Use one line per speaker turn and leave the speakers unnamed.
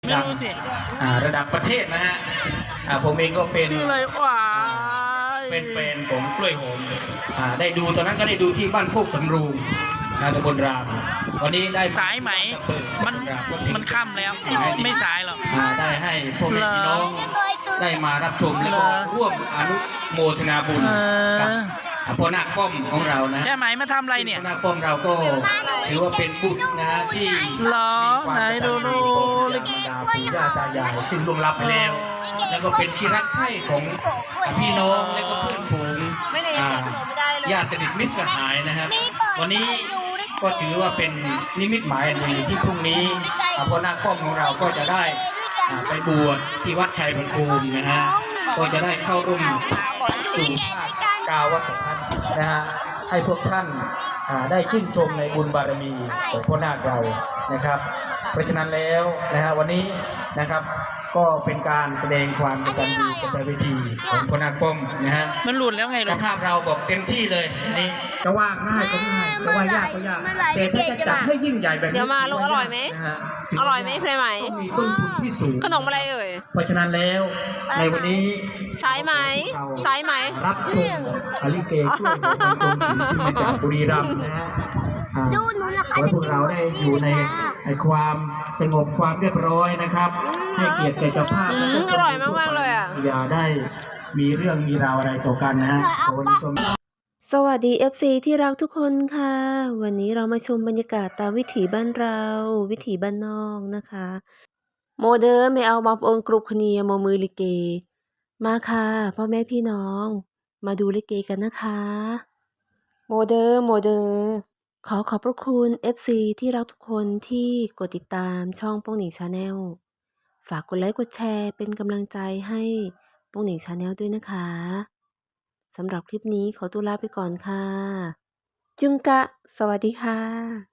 ดังระดับประเทศนะฮะผมเองก็เป็นเป็นแฟนของกล้วยหอมได้ดูตอนนั้นก็ได้ดูที่บ้านโคกสำรูงตำบลรามวันนี้ได้
สายไหมมันค่ำแล้วไม่สายหรอก
ได้ให้พวกพี่น้องได้มารับชมแล้วก็ร่วมอนุโมทนาบุญกับพ่อนาคป้อมของเรานะ
แค่ไหมมาทำอะไรเนี่ย
พ่อนาคป้อมเราก็ถือว่าเป็นบุตรนะที่
ไหนดู
ปู่ย่าตายายซึ่งล่วงลับไปแล้วแล้วก็เป็นที่รักใคร่ของพี่น้องและก็เพื่อนฝูงญาติสนิทมิตรสหายนะครับวันนี้ก็ถือว่าเป็นนิมิตหมายอันดีที่พรุ่งนี้พ่อนาคป้อมของเราก็จะได้ไปบวชที่วัดชัยภูมินะฮะก็จะได้เข้าร่วมสู่ภาคกาวสัมพันธ์นะฮะให้พวกท่านได้ชื่นชมในบุญบารมีของพ่อนาคเรานะครับเพราะฉะนั้นแล้วนะฮะวันนี้นะครับก็เป็นการแสดงความกตัญญูกตเวทีของพ่อนาคป้อมนะฮะ
มันหลุดแล้วไง
เจ้าภาพเราบอกเต็มที่เลยนี่จะว่าง่ายก็ง่ายจะว่ายากก็ยากแต่ถ้าจะจัดให้ยิ่งใหญ่แบบนี้
เดี๋ยวมาลูกอร่อยไหมอร่อยไหมเพลไหม
มีต้นทุนที่สูง
ขนมอะไรเอ่ย
เพราะฉะนั้นแล้วในวันนี้
สายไหมสายไหม
รับชมลิเกช่วยในกรมศิลป์ที่มาจากบุรีรัมย์นะฮะ
ดูหนูนะคะ
ให้พวกเราได้อยู่ในความสงบความเรียบร้อยนะครับให้เกียรติแก่เจ้าภาพ
อร่อยมากๆเลยอ่ะ
อย่าได้มีเรื่องมีราวอะไรต่อกันนะฮะ
สวัสดี FC ที่รักทุกคนค่ะวันนี้เรามาชมบรรยากาศตามวิถีบ้านเราวิถีบ้านนอกนะคะโมเดิร์ไม่เอามาองกรุบคเนียโมมือลิเกมาค่ะพ่อแม่พี่น้องมาดูลิเกกันนะคะโมเดิร์ขอบพระคุณ FC ที่รักทุกคนที่กดติดตามช่องโป้งหนิงชาแนลฝากกดไลค์กดแชร์เป็นกำลังใจให้โป้งหนิงชาแนลด้วยนะคะสำหรับคลิปนี้ขอตัวลาไปก่อนค่ะจุงกะสวัสดีค่ะ